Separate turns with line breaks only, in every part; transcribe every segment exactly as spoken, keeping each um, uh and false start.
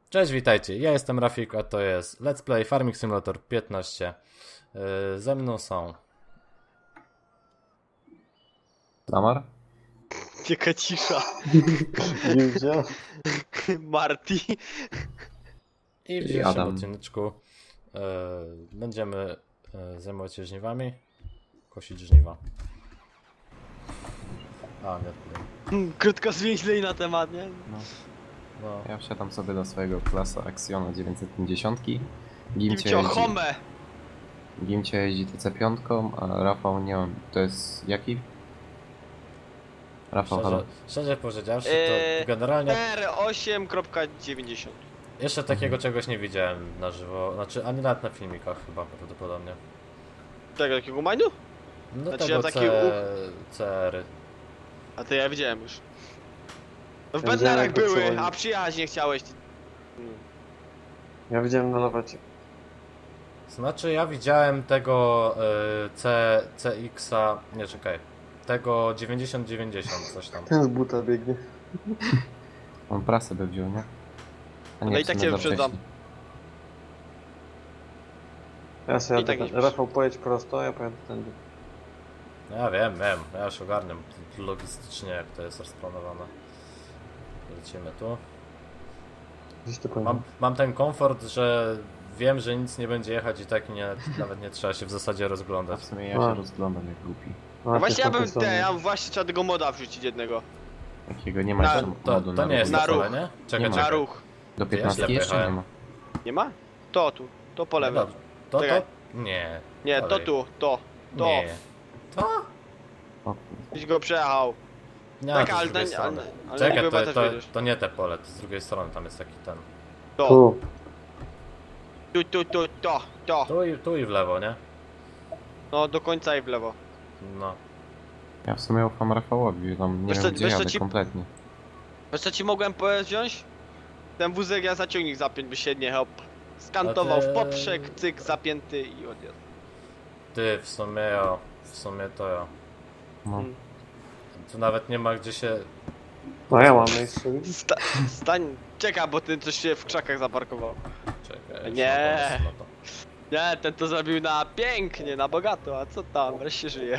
Cześć, witajcie, ja jestem Rafik, a to jest Let's Play Farming Simulator piętnaście. Yy, ze mną są...
Lamar?
Jaka cisza.
Gildzia?
Marty.
I w
I
dzisiejszym
Adam.
odcineczku yy, będziemy yy, zajmować się żniwami, kosić żniwa. A, nie tutaj.
Krótko zwięźlej na temat, nie?
No.
No.
Ja wsiadam sobie do swojego klasa Axiona dziewięćset pięćdziesiąt. Gimcie
Gimcio
jeździ,
Home.
Gimcie jeździ T C pięć, a Rafał nie mam. To jest jaki? Rafał, halo.
Szczerze, szczerze powiedziawszy, to
Eee,
generalnie
R osiem dziewięćdziesiąt.
jeszcze takiego czegoś nie widziałem na żywo, znaczy ani nawet na filmikach chyba prawdopodobnie.
Tego takiego majnu?
No
Znaczy,
tego
ja taki
C... C R.
A to ja widziałem już. No w
Ja
Bednarach
widziałem, jak to
były,
przechodzi.
a przyjechać nie chciałeś. Mm.
Ja widziałem na lawecie.
Znaczy ja widziałem tego y, C, CX-a, nie czekaj, tego dziewięćdziesiąt dziewięćdziesiąt coś tam.
Ten z buta biegnie.
On prasę by wziął, nie? A
No
w
i tak
sumie
cię
za
wyprzedzam.
wcześnie.
Ja sobie
I tak
jadę,
nie
Rafał pojedź prosto, ja pojadę tędy.
Ja wiem, wiem, ja już ogarniam logistycznie jak to jest rozplanowane. Lecimy tu.
Gdzieś to
Mam,
powiem.
mam ten komfort, że wiem, że nic nie będzie jechać i tak nie, nawet nie trzeba się w zasadzie
A
rozglądać.
w sumie ja
A.
się rozglądam jak głupi.
No właśnie ja bym
te,
te, ja właśnie trzeba tego moda wrzucić jednego.
Takiego nie ma
Na-
jeszcze
To,
modu
to
na
nie jest
ruch.
Na
to pole,
ruch.
nie? Czekaj,
Nie ma.
Na
czekaj.
ruch.
Do
Ja
piętnastki
źle
jeszcze nie
pojechałem.
ma.
Nie ma? To tu, to po
No
lewej.
dobrze. To, to?
Czekaj.
Nie.
Nie, to
Dalej.
tu, to, to.
Nie. To?
O,
Gdzieś go przejechał.
Nie,
Tak,
to z
ale
drugiej
ten-
strony.
ale- ale
Czekaj,
chyba
to,
też
to,
wiedziesz.
to nie te pole, to z drugiej strony tam jest taki ten.
To,
Tu.
tu, tu, tu, to, to.
Tu i, tu i w lewo, nie?
No do końca i w lewo.
No.
ja w sumie ufam Rafałowi, tam nie
Wiesz
wiem
co-
gdzie
wiesz co
jadę
ci-
kompletnie.
Wiesz co ci mogłem powiedzieć wziąć? Ten wózek ja zaciągnik zapiąć by się nie hop. Skantował
A ty-
w poprzek, cyk, zapięty i odjazd.
Ty, w sumie ja, w sumie to ja.
No.
Mm.
Tu nawet nie ma gdzie się...
No ja mam miejsce.
Sta stań, czeka, bo ten coś się w krzakach zaparkował.
Czekaj,
Nie.
jeszcze mam pomysł na to.
Nie, ten to zrobił na pięknie, na bogato, a co tam, wreszcie żyje.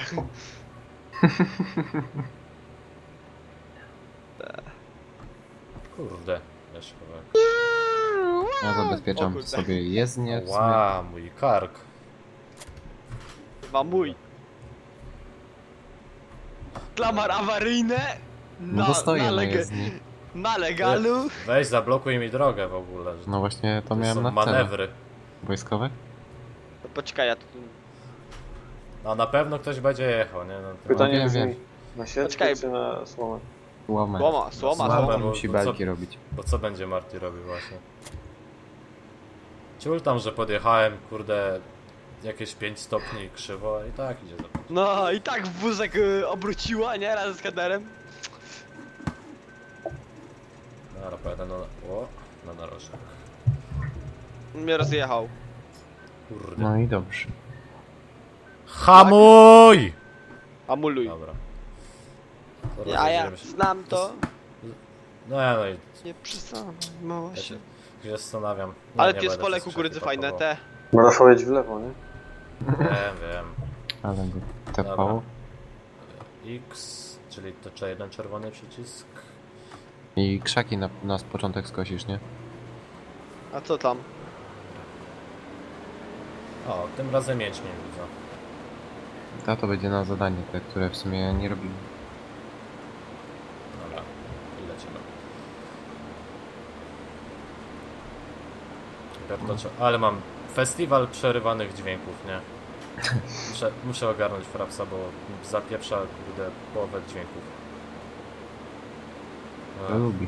Kurde, jeszcze powiem.
Ja
O
zabezpieczam
kurde.
sobie jezdnię w sumie.
Ła, mój kark.
Chyba mój. Klamar awaryjne.
No
Na,
to stoję
na,
na
lega
jezdni.
na legalu.
Weź, zablokuj mi drogę w ogóle. że
No właśnie to
to
miałem
są
na celu.
manewry.
Wojskowe?
No poczekaj, ja tu...
No na pewno ktoś będzie jechał, nie? No, to...
Pytanie
wiem,
brzmi,
wiem.
na sieczkę
Poczekaj.
czy na słomę?
Słomę.
Słoma, słoma,
Słoma,
słoma.
bo-
musi
bo co-
belki robić.
Bo co będzie Marty robił właśnie? Ciul tam, że podjechałem, kurde, jakieś pięć stopni krzywo i tak idzie za
No i tak wózek y, obróciła, nie? Razem z kaderem.
Dobra, pojadę na... O, na narożnik.
Mnie rozjechał.
Kurde.
No i dobrze.
HAMUJ!
Amuluj.
Dobra. To
Ja, ja
rozejrzymy się.
znam to.
No ja no i
Nie przysam,
ja się,
się.
się zastanawiam. Nie,
Ale
nie
tu jest
będę
pole
przez
kukurydzy
krzaki
fajne,
pakował.
te.
No Rafał jedź w lewo, nie?
Wiem, wiem.
Ale go
Dobra.
tepało.
X, czyli to czy jeden czerwony przycisk.
I krzaki na, na początek skosisz, nie?
A co tam?
O, tym razem mieć nie widzę.
To to będzie na zadanie, te, które w sumie nie robimy.
Dobra, i lecimy. Bertoczo, ale mam festiwal przerywanych dźwięków, nie? Muszę, muszę ogarnąć frapsa, bo zapieprza, kurde, połowę dźwięków.
To lubi.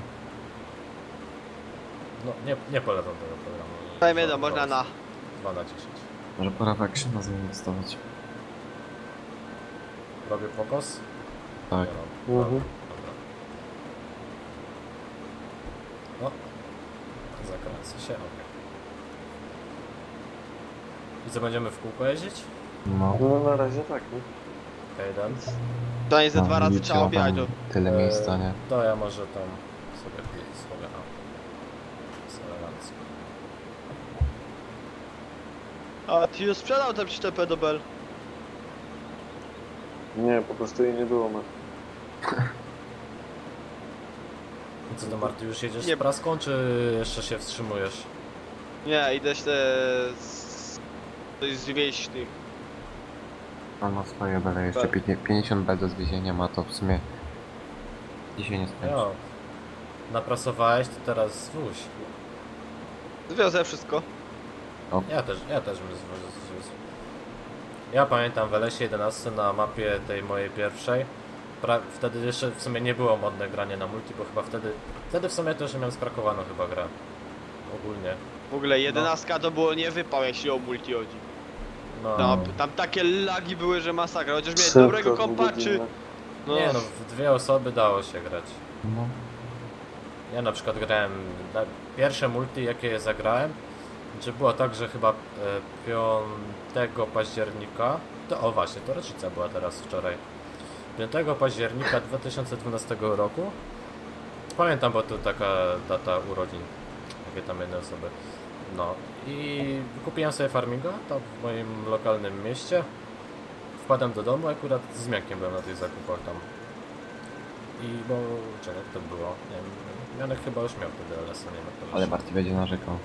No, nie, nie polecam tego programu.
Powiem jedno, można na...
dwa na dziesięć.
Może pora tak się nazwę dostawać.
Robię pokos?
Tak.
Nie, no,
Mhm.
dobra. O, zakręcę się, okej. I co, będziemy w kółko jeździć?
No.
No na razie tak, nie?
Okej, okay,
To nie ze
No,
dwa razy
widzicie,
trzeba
ma
objechać.
tam
To...
Tyle
Eee,
miejsca, nie?
To ja może tam sobie sobie a. Jest elegancko. elegancko.
A ty już sprzedał tę przyczepę do Bell.
Nie, po prostu jej nie było, ma.
I co do Marty, już jedziesz
Nie.
z praską, czy jeszcze się wstrzymujesz?
Nie, idę się z... coś zwieść tych.
On ma swoje bele, jeszcze
Tak.
pięćdziesiąt pięćdziesiąt bel do zwiezienia ma, to w sumie dzisiaj nie skończy.
Jo. Naprasowałeś, to teraz zwóź.
Zwiozę wszystko.
Ja też, ja też bym zwiózł. Ja pamiętam w L S jedenaście na mapie tej mojej pierwszej. Pra wtedy jeszcze w sumie nie było modne granie na multi, bo chyba wtedy... Wtedy w sumie też miałem skrakowaną chyba grę. Ogólnie.
W ogóle jedenastka to było nie wypał, jeśli o multi chodzi.
No.
Tam, tam takie lagi były, że masakra. Chociaż miałem
Szybko,
dobrego kompa, czy...
dwugodzinne.
No,
Nie no, w dwie osoby dało się grać.
No.
Ja na przykład grałem... Na pierwsze multi jakie zagrałem, że było tak, że chyba e, piątego października... To, o właśnie, to rocznica była teraz wczoraj. piątego października dwa tysiące dwunastego roku. Pamiętam, bo to taka data urodzin, jakie tam jednej osoby. No i kupiłem sobie farminga tam w moim lokalnym mieście. Wpadłem do domu, akurat z Miankiem byłem na tych zakupach tam. I bo... czego to było? Nie wiem, Mianek chyba już miał wtedy L S a, nie wiem jak to
Ale
wyszło.
Barty będzie narzekał.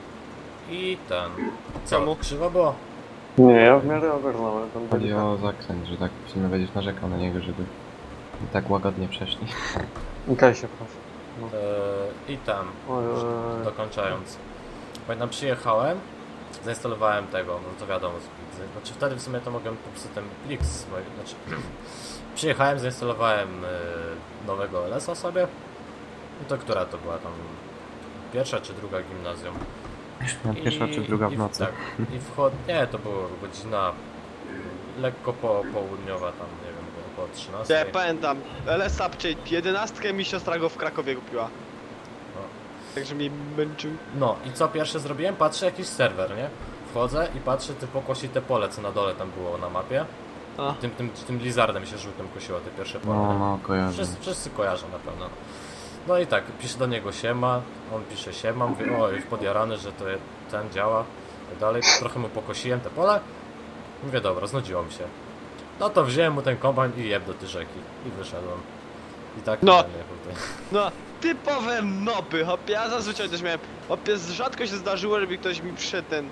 I ten... Co?
Czemu?
Krzywo było?
Nie, ja w miarę ogarnąłem. Tam
Chodzi
byli
o zakręt, że tak w sumie będziesz narzekał na niego, żeby tak łagodnie przeszli.
tak. Kaj się proszę.
Eee, I tam...
Oj, oj, oj.
Dokończając. Pamiętam, przyjechałem, zainstalowałem tego, no to wiadomo, z- znaczy wtedy w sumie to mogłem po prostu ten plik z mojego, znaczy przyjechałem, zainstalowałem y, nowego L S a sobie. I to która to była tam? Pierwsza czy druga gimnazjum?
Pierwsza czy druga w
i,
nocy.
Tak, i wchod... Nie, to była godzina lekko po, południowa tam, nie wiem, około
ja
trzynastej.
pamiętam. L S A, czyli jedenastkę mi siostra go w Krakowie kupiła.
No.
Także mnie męczył.
No i co pierwsze zrobiłem? Patrzę jakiś serwer, nie? Wchodzę i patrzę typu kosi te pole, co na dole tam było na mapie.
A.
Tym, tym, tym lizardem się żółtym kosiło te pierwsze pole.
No,
nie?
no, kojarzę.
Wszyscy, wszyscy kojarzą na pewno. No i tak, piszę do niego siema, on pisze siema, mówię, o, już podjarany, że to je- ten działa, i tak dalej. Trochę mu pokosiłem te pole. Mówię, dobra, znudziło mi się. No to wziąłem mu ten kombajn i jeb do tej rzeki. I wyszedłem. I tak
No.
nie wiem,
No, typowe nopy, hopie. Ja zazwyczaj też miałem. Hopie, rzadko się zdarzyło, żeby ktoś mi przyszedł ten.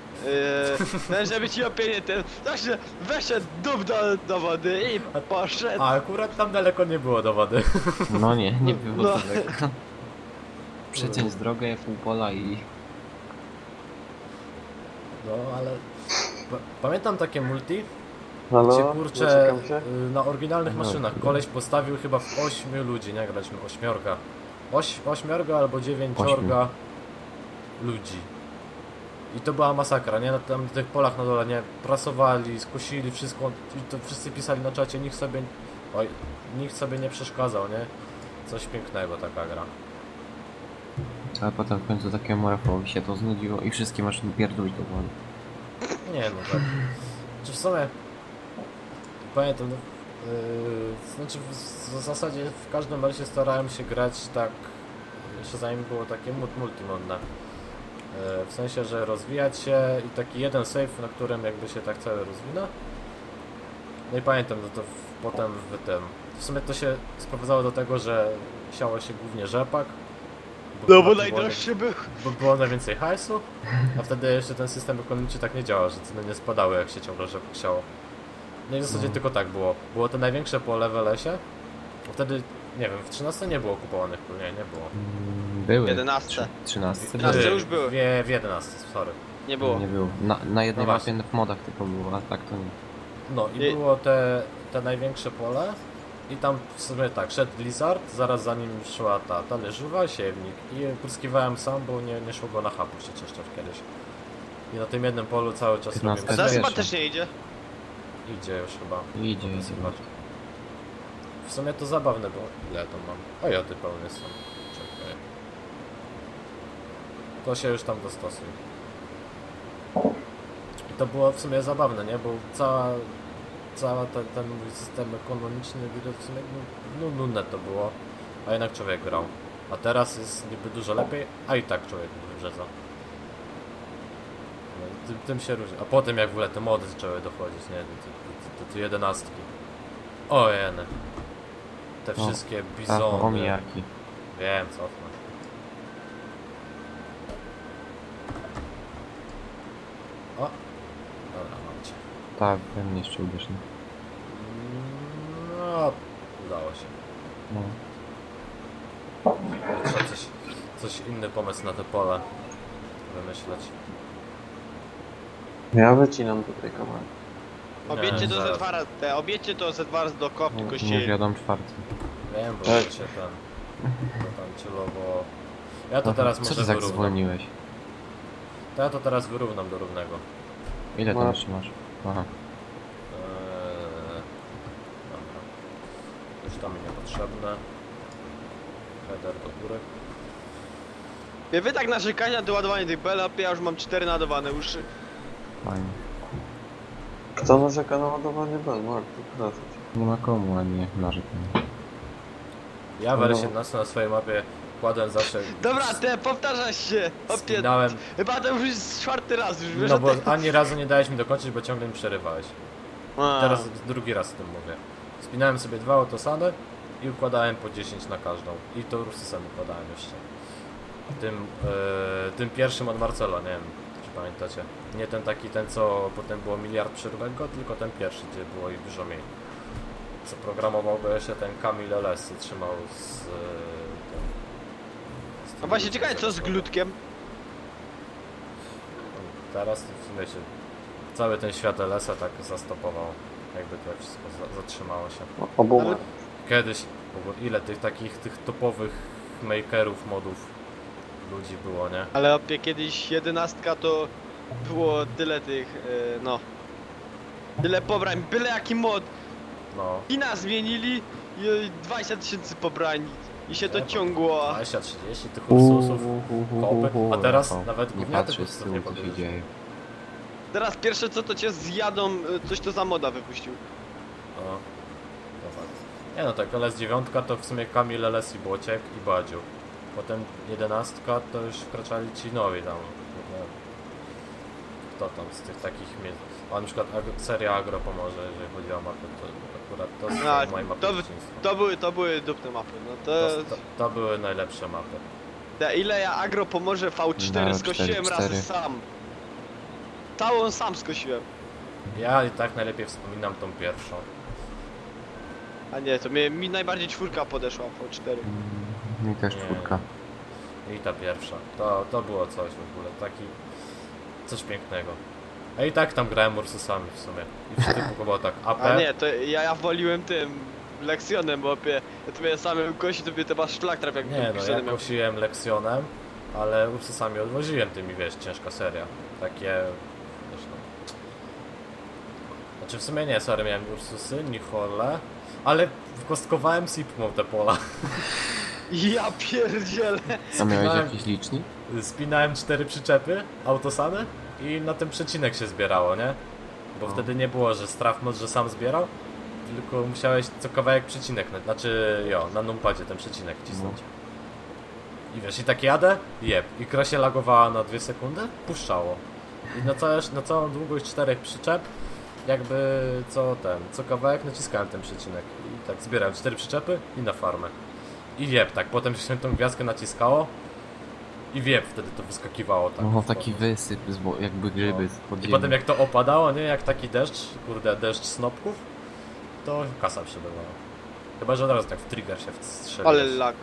Yy, żeby ci opie nie ten. Także weszedł dup do, do wody i poszedł.
A akurat tam daleko nie było do wody.
No nie, nie było
No.
daleko. Przeciąć drogę, pół pola i...
No ale... Pa- Pamiętam takie multi,
Halo?
gdzie kurczę
Doczekam się?
y, na oryginalnych
No,
maszynach
chwilę.
koleś postawił chyba w ośmiu ludzi, nie graliśmy ośmiorga. Oś, ośmiorga albo dziewięciorga ludzi. I to była masakra, nie? Na tam tych polach na dole, nie? Prasowali, skosili wszystko i to wszyscy pisali na czacie, nikt sobie... Oj, nikt sobie nie przeszkadzał, nie? Coś pięknego taka gra.
Ale potem w końcu takiemu Rafałowi się to znudziło i wszystkie maszyny pierdolić do wody.
Nie no, tak. Czy w sumie... Pamiętam, no, yy, znaczy w, w zasadzie w każdym razie starałem się grać tak, jeszcze zanim było takie mult- multimodne. Yy, w sensie, że rozwijać się i taki jeden save, na którym jakby się tak cały rozwinę. No i pamiętam, że to w, potem w tym... W sumie to się sprowadzało do tego, że siało się głównie rzepak.
No
chyba
bo
to było
najdroższy był.
Bo było najwięcej hajsu, a wtedy jeszcze ten system ekonomiczny tak nie działał, że ceny nie spadały jak się ciągle rzepak siało. No i w zasadzie
No.
tylko tak było. Było to największe pole w L S ie. Wtedy, nie wiem, w trzynastce nie było kupowanych pól, nie, nie było.
Mm, Były.
jedenastce.
Trzy- Trzynastce
Jedenastce
były.
już były.
W, w jedenastce, sorry.
Nie było.
Nie było. Na, na jednej
No
mapie
właśnie.
w modach tylko było, a tak to nie.
No i
I-
było te, te największe pole i tam w sumie tak, szedł Blizzard, zaraz za nim szła ta talerzywa, siewnik i pryskiwałem sam, bo nie, nie szło go na hapu się czyszczać kiedyś. I na tym jednym polu cały czas
piętnastka
robiłem...
Zaraz chyba
pierwsza.
też nie idzie.
Idzie już chyba.
Idzie, idzie.
Zobacz. W sumie to zabawne, bo ile ja to mam? O ja ty pełny jestem. Czekaj. To się już tam dostosuj. I to było w sumie zabawne, nie? Bo cała, cała ten, ten mój system ekonomiczny w sumie no, nudne to było, a jednak człowiek grał. A teraz jest niby dużo lepiej, a i tak człowiek mówi, brzezo. No, tym, tym się różni. A potem jak w ogóle te mody zaczęły dochodzić, nie? Do te jedenastki. O jene. Te
O,
wszystkie
Tak,
bizony.
omijaki.
Wiem, cofnę. O! Dobra, mam cię.
Tak, we mnie jeszcze uderz. nie?
No, udało się.
No.
Trzeba coś, coś inny pomysł na te pole wymyśleć.
Ja wycinam tutaj kawałek.
Obiećcie to
zaraz.
Z dwa razy, te, obiećcie to Z dwa razy do kop, tylko
Nie
się...
wiadomo czwarty.
Wiem, bo
Tak.
się ten... To tam celowo... Ja to
Aha,
teraz
co
może
ty tak
wyrównam.
zwolniłeś?
To ja to teraz wyrównam do równego.
Ile tam
No.
jeszcze masz? Aha.
Eee, dobra. Już tam mi niepotrzebne. Header do góry.
Wie, wy tak narzekania do ładowania tych bel, a ja już mam cztery naładowane uszy.
Fajnie.
Kto narzeka na ładowanie bel? Marku, proszę cię.
Nie ma komu, a nie narzekam.
Ja w
No.
R siedemnaście na swojej mapie kładłem zawsze...
Dobra, te, powtarzasz się! Opie...
Spinałem...
Chyba to już jest czwarty raz, już wiesz
No
o
bo
tym?
ani razu nie dałeś mi dokończyć, bo ciągle mi przerywałeś.
A.
Teraz drugi raz o tym mówię. Spinałem sobie dwa autosady i układałem po dziesięć na każdą. I to Ursusem układałem jeszcze. Tym, e, tym pierwszym od Marcelo, nie wiem czy pamiętacie. Nie ten taki, ten co potem było miliard przeróbek go, tylko ten pierwszy, gdzie było ich dużo mniej. Co programował go jeszcze ten Kamil L S i trzymał z... E, tym, z tym
A właśnie
ludźmi
ciekawe co z
zaraz
glutkiem?
Teraz w sumie się cały ten świat L S a tak zastopował. Jakby to wszystko za zatrzymało się.
O- Obu
Ale-
Kiedyś, w ogóle ile tych takich tych topowych makerów, modów ludzi było, nie?
Ale opie, kiedyś jedenastka to było tyle tych, e, no... Tyle pobrań, byle jaki mod.
No,
Kina zmienili i dwadzieścia tysięcy pobrań. I się to
Nie, to-
ciągło.
dwadzieścia trzydzieści tych Ursusów, kopy, a teraz
Rafał,
nawet
nie
gówniaty
patrzysz z
Ursusów
tyłu
nie
co się
podjedziesz.
dzieje.
Teraz pierwsze co to cię zjadą, e, coś to za moda wypuścił.
No, to fakt. Nie no tak, L S dziewięć to w sumie Kamil L S i Błociek i Badziu. Potem jedenastka to już wkraczali ci nowi tam. Nie wiem, kto tam z tych takich miejsc. A na przykład ag seria Agro pomoże, jeżeli chodzi o mapę, to akurat to są
A,
moje mapy
to,
dzieciństwa.
to były, to były dupne mapy, no to...
To, to, to były najlepsze mapy.
Te, ile ja agro pomoże V cztery
No,
skosiłem
cztery,
razy
cztery.
sam. Całą sam skosiłem.
Ja i tak najlepiej wspominam tą pierwszą.
A nie, to mnie, mi najbardziej czwórka podeszła V cztery.
Mm, Mi też
Nie.
czwórka.
I ta pierwsza. To, to było coś w ogóle, taki... Coś pięknego. A i tak tam grałem Ursusami w sumie. I wtedy było tak A P.
A nie, to ja, ja woliłem tym Leksionem, bo opie, ja to miałem samym kości, to mnie chyba szlak trafił jak
Nie no,
Leksionem
ja
miał.
kosiłem Leksionem, ale Ursusami odwoziłem tymi, wiesz, ciężka seria. Takie... Wiesz, no. Znaczy w sumie nie, sorry, miałem Ursusy, Nichole, ale kostkowałem Sipmą te pola.
Ja pierdzielę.
A miałeś
Spinałem-
jakiś licznik?
Spinałem cztery przyczepy, autosady i na ten przecinek się zbierało, nie? Bo
No.
wtedy nie było, że strafmod, że sam zbierał, tylko musiałeś co kawałek przecinek, na- znaczy jo, na numpadzie ten przecinek cisnąć. I wiesz, i tak jadę, jeb, i kra się lagowała na dwie sekundy, puszczało. I na, całe, na całą długość czterech przyczep, jakby co ten, co kawałek naciskałem ten przecinek. I tak zbierałem cztery przyczepy i na farmę. I jeb, tak, potem się tą gwiazdkę naciskało i wieb, wtedy to wyskakiwało tak.
No
w
taki
kosmos.
wysyp, z, bo- jakby grzyby
No.
z pod
I
ziemi.
potem jak to opadało, nie, jak taki deszcz, kurde, deszcz snopków, to kasa przebywała. Chyba, że od razu tak w trigger się wstrzelił.
Ale lag.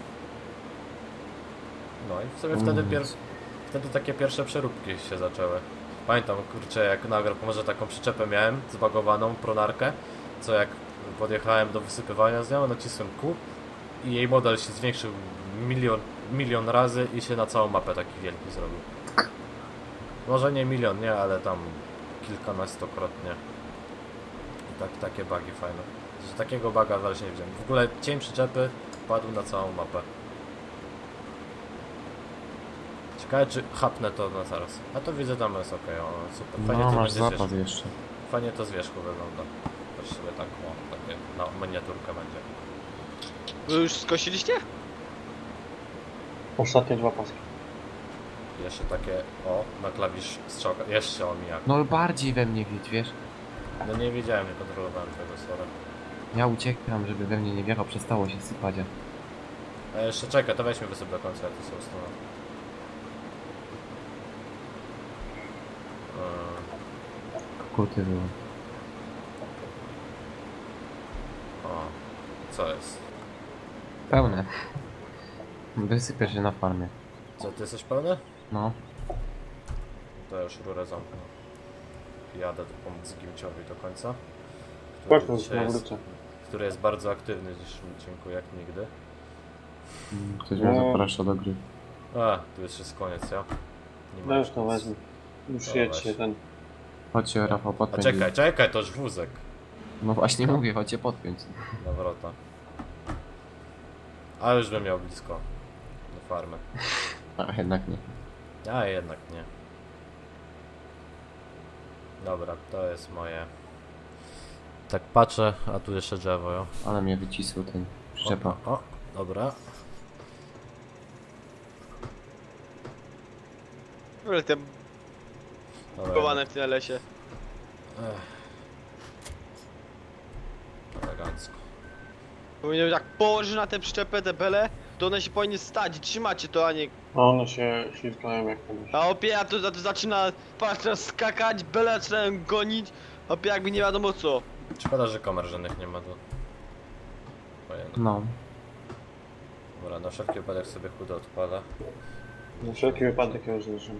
No i sobie wtedy,
Mm.
pier... wtedy takie pierwsze przeróbki się zaczęły. Pamiętam, kurczę, jak na może taką przyczepę miałem, zbagowaną, pronarkę, co jak podjechałem do wysypywania z nią, nacisłem Q i jej model się zwiększył milion, milion razy i się na całą mapę taki wielki zrobił. Może nie milion, nie, ale tam kilkunastokrotnie. I tak, takie bugi fajne. Że takiego buga zaraz nie widziałem. W ogóle cień przyczepy padł na całą mapę. Ciekawe czy chapnę to na zaraz. A to widzę tam jest okej, o super. Fajnie
No
to
masz
będzie
zapas
zwierzch...
jeszcze.
Fajnie to z wierzchu wygląda. Też sobie tak, o, takie na miniaturkę będzie.
Wy już skosiliście?
Ostatnie dwa paski.
Jeszcze takie, o, na klawisz strzałka, jeszcze omijak.
No bardziej we mnie wiedź, wiesz?
No nie wiedziałem, nie kontrolowałem tego, sorry.
Ja uciekam, żeby we mnie nie wjechał, przestało się sypać. a-
A jeszcze czekaj, to weźmy wysyp do końca, ja tu sobie ustanę.
Kokuty było.
O, co jest?
Pełne. Wysypię się na farmie.
Co, ty jesteś pełny?
No.
To już rurę zamknę. Jadę tu pomóc Gimciowi do końca.
Patrz,
Który,
na
dzisiaj jest,
wrócę.
który jest bardzo aktywny w dzisiejszym odcinku, jak nigdy.
Mm, Ktoś mnie
No.
zaprasza do gry.
A, tu już jest koniec, ja? Nie ma
No już to
nic.
wezmę. Już
Dobra,
jedźcie
weź.
ten.
Chodźcie Rafał,
A
podpiąć.
czekaj, czekaj, to już wózek.
No właśnie mówię, chodźcie podpiąć.
Nawrota. A już bym miał blisko. Do farmy.
A jednak nie.
A jednak nie. Dobra, to jest moje. Tak patrzę, a tu jeszcze drzewo, jo.
Ale mnie wycisł ten przyczepa.
O, o, dobra.
W ogóle te
Dobra.
bugowane w tym lesie.
Ech. Elegancko.
Powinien jak położysz na tę przyczepę te bele, to one się powinny stać i trzymacie to, a nie...
A one się ślizgają jak kiedyś.
A opie, a to, a to zaczyna, patrz, teraz skakać, bele zaczynają gonić, opie jakby nie wiadomo co.
Szkoda, że kamer żadnych nie ma tu. Ojej, no.
No.
Dobra, na wszelki wypadek sobie chudo odpala.
Na wszelki wypadek ja już zniszczę.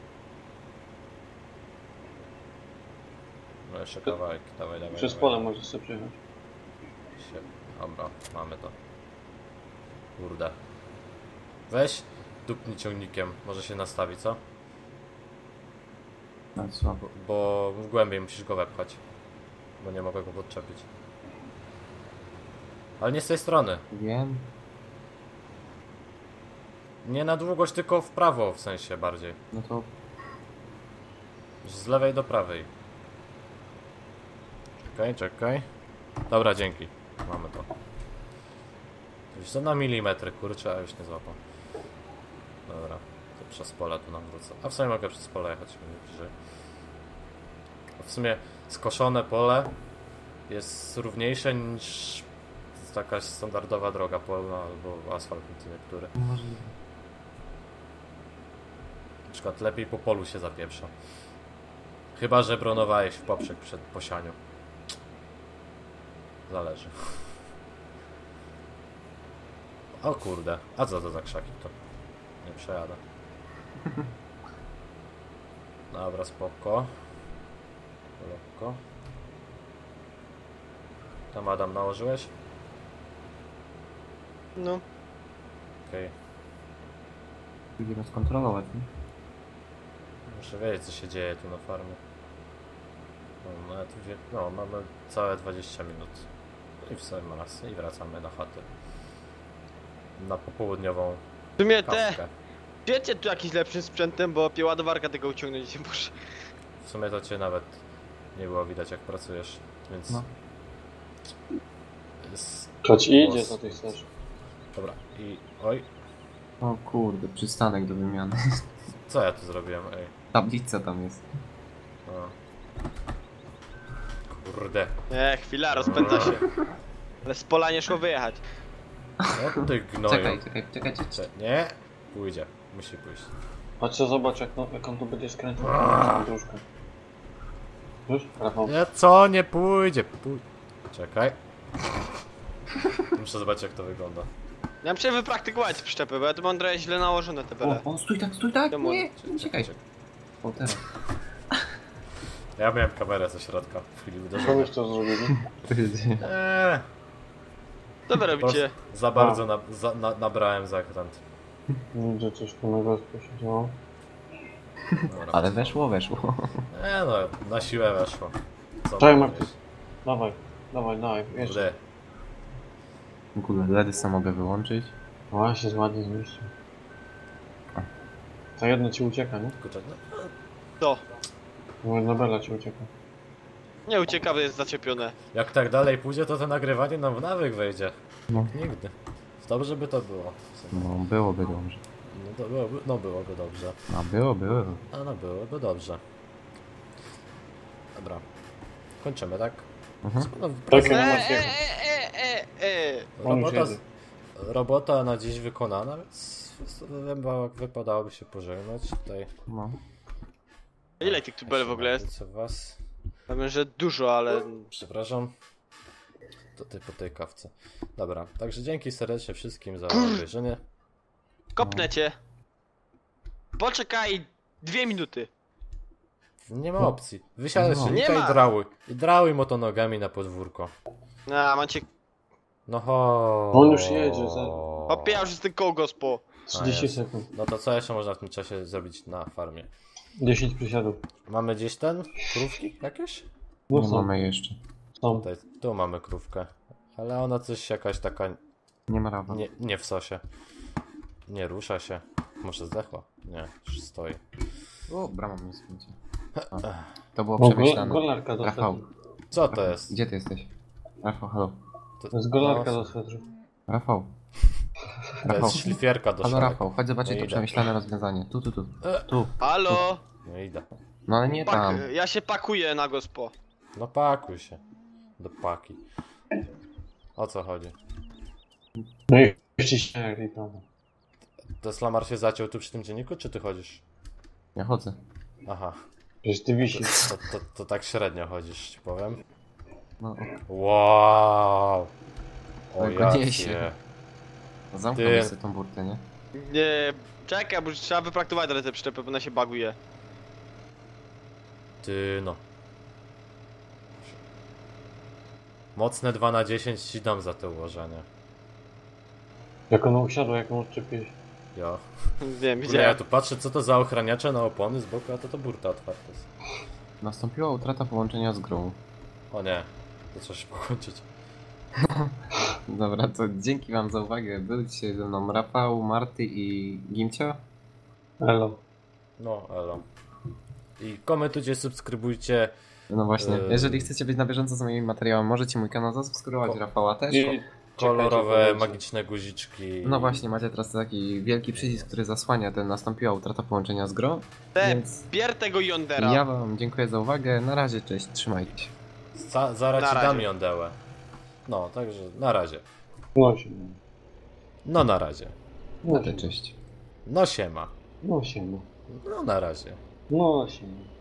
No jeszcze kawałek, dawaj, dawaj.
Przez
dawaj.
pole możesz sobie przejechać.
Się... Dobra, mamy to. Kurde. Weź, dupnij ciągnikiem, może się nastawi, co?
No co?
Bo, bo w głębiej musisz go wepchać. Bo nie mogę go podczepić. Ale nie z tej strony.
Wiem.
Nie na długość, tylko w prawo w sensie bardziej.
No to
Z lewej do prawej. Czekaj, czekaj. Dobra, dzięki. Mamy to. Już to na milimetry, kurczę, a już nie złapał. Dobra, to przez pole tu nam wrócę. A w sumie mogę przez pole jechać, będzie bliżej. W sumie skoszone pole jest równiejsze niż taka standardowa droga polna albo asfalt niektóry.
możliwe.
Na przykład lepiej po polu się zapieprza. Chyba że bronowałeś w poprzek przed posianiu. Zależy. O kurde, a co to za krzaki to? Nie przejadę. Dobra, spoko. Lekko. Tam Adam nałożyłeś?
No.
Okej.
Będziemy skontrolować, nie?
Muszę wiedzieć co się dzieje tu na farmie. No, nawet wie... no mamy całe dwadzieścia minut. I w sam raz i wracamy na chatę. Na popołudniową
W sumie te,
kawkę.
wiecie tu jakiś lepszym sprzętem, bo opie ładowarka tego uciągnąć nie muszę.
W sumie to cię nawet nie było widać jak pracujesz, więc...
No.
Jest...
Chodź idzie,
głos.
co ty chcesz.
Dobra, i... oj,
O kurde, przystanek do wymiany.
co ja tu zrobiłem, ej?
Tablica tam jest.
No. Kurde.
Nie, chwila, rozpędza się. Ale z pola nie szło wyjechać.
No ty gnoju.
Czekaj, czekaj, czekaj, czekaj.
Cze- Nie, pójdzie. Musi pójść.
Chodź co zobacz jak, no, jak on tu będzie skręcał. Dróżkę. Już? Rafał?
Nie, co? Nie pójdzie. Pój... Czekaj. Muszę zobaczyć jak to wygląda.
Ja muszę wypraktykować przyczepy, bo ja tu mam trochę źle nałożone te bele.
O, o, stój tak, stój tak!
Czemu?
Nie, uciekaj.
Czekaj.
O, teraz.
Ja miałem kamerę ze środka w chwili
Co
uderzenia.
byś to zrobili?
Eee,
Co wy
po
robicie?
prostu za bardzo na, za, na, nabrałem zakręt.
Widzę coś tu na gospie się działo.
Dobra.
Ale weszło, weszło.
Nie no, na siłę weszło. Co
Czekaj,
mam
Markus.
powiedzieć?
Dawaj, dawaj, dawaj, jeszcze.
Kurde.
W ogóle ledy sam mogę wyłączyć.
Właśnie, ładnie zmieścił. To jedno ci ucieka, nie?
Kurczę, no,
To.
Bo jedna bela ci ucieka.
Nie ucieka, bo jest zaczepione.
jak tak dalej pójdzie, to to nagrywanie nam w nawyk wejdzie.
No.
Nigdy. Dobrze by to było. w sumie.
No, byłoby dobrze.
No, to byłoby, no byłoby dobrze.
A było, było.
A no byłoby dobrze. Dobra. Kończymy, tak?
Mhm.
No,
Tak,
E,
ja
e,
mam
e,
takiego.
e, e, e.
On już
robota,
jedzie.
robota na dziś wykonana, więc chyba wypadałoby się pożegnać tutaj.
No.
Ile tych tubel w ogóle jest?
Co was?
Ja wiem, że dużo, ale...
Przepraszam. To ty po tej kawce. Dobra, także dzięki serdecznie wszystkim za
Kur-
obejrzenie.
Kopnę cię. Poczekaj dwie minuty.
Nie ma
No.
opcji. Wysiadaj
No.
z silnika
Nie
i
ma.
drałuj. I drałuj motonogami na podwórko.
A, macie...
No ho.
On już jedzie, za-
Hopie, ja już jestem koło gospo.
trzydzieści
jest.
sekund.
No to co jeszcze można w tym czasie zrobić na farmie?
dziesięć przysiadów.
Mamy gdzieś ten? Krówki jakieś?
No
Nie
są,
mamy jeszcze.
są.
Tutaj, tu mamy krówkę. Ale ona coś jakaś taka
Nie ma rawa.
nie, nie w sosie. Nie rusza się. Może zdechła? Nie, już stoi.
O, brama mnie skręci. To było
O, go,
przemyślane.
golarka do
Rafał,
swetru.
Co to jest?
gdzie ty jesteś? Rafał, halo.
To,
To jest golarka
no,
do swetru.
Rafał.
to
Rafał.
jest szlifierka do
Halo
szalek.
Rafał, chodź zobaczyć
No
to
idę.
przemyślane rozwiązanie. Tu, tu, tu.
E.
Tu.
Halo?
No idę.
No ale nie
Pak...
tam.
Ja się pakuję na gospo.
No pakuj się. Do paki. O co chodzi?
No i jeszcze śmiali tam.
To Slamar się zaciął tu przy tym dzienniku, czy ty chodzisz?
Ja chodzę.
Aha.
Przecież ty wisisz.
To, to, to tak średnio chodzisz, ci powiem.
No,
Wow! O
Ale go
jacie.
niesie. zamknął
Ty.
sobie tą burtę, nie?
Nie, czekaj, bo trzeba wypraktować teraz te przyczepy, bo ona się baguje.
Ty no. Mocne dwa na dziesięć ci dam za to ułożenie.
Jak ono usiadło, jak ono odczepiłeś.
Jo.
Wiem,
Kurde, ja
widziałem.
tu patrzę co to za ochraniacze na opony z boku, a to to burta otwarta jest.
Nastąpiła utrata połączenia z grą.
O nie. To trzeba się połączyć.
Dobra, to dzięki wam za uwagę. Był dzisiaj ze mną Rafał, Marty i Gimcio.
Elo.
No, elo. I komentujcie, subskrybujcie.
No właśnie,
Eee.
jeżeli chcecie być na bieżąco z moimi materiałami, możecie mój kanał zasubskrybować,
Ko-
Rafała też.
I
Kolorowe,
czekajcie,
magiczne guziczki.
No właśnie, macie teraz taki wielki przycisk, który zasłania ten nastąpiła utrata połączenia z grą.
Te,
Więc
bier tego Yondera.
ja wam dziękuję za uwagę. Na razie, cześć, trzymajcie się.
Za, zaraz
Na
ci
razie.
dam jądełę. No, także na razie.
No się.
No na razie.
No
Cześć,
się.
cześć.
No siema.
No się.
No na razie.
No się.